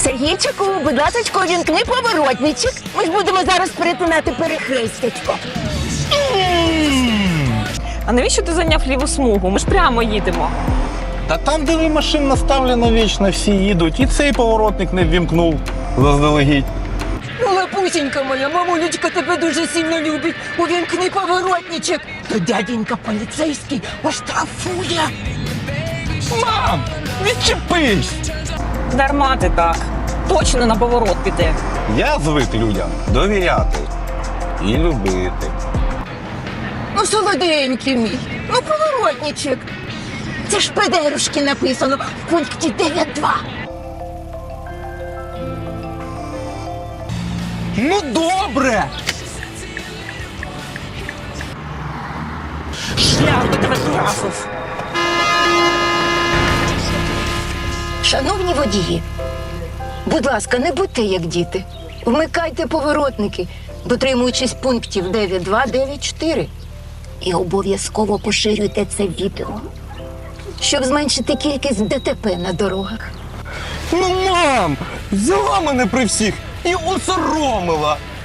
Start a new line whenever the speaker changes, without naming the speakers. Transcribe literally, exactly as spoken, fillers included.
Сергійчику, будь ласочко, вімкни поворотничок. Ми ж будемо зараз перетинати перехрестячко.
А навіщо ти зайняв ліву смугу? Ми ж прямо їдемо.
Та там, де машин наставлено вічно, всі їдуть. І цей поворотник не ввімкнув заздалегідь.
Ну, лапусенька моя, мамулечка тебе дуже сильно любить. Увімкни поворотничок. То дяденька поліцейський оштрафує.
Мам, відчепись!
Дарма ти так. Точно на поворот піде.
Я звик людям довіряти і любити.
Ну, солоденький мій, ну поворотничок. Це ж педерушки написано в пункті дев'ять два.
Ну добре!
Шлях до тебе трафив.
Шановні водії, будь ласка, не будьте як діти. Вмикайте поворотники, дотримуючись пунктів дев'ять два, дев'ять чотири. І обов'язково поширюйте це відео, щоб зменшити кількість ДТП на дорогах.
Ну, мам, взяла мене при всіх і осоромила.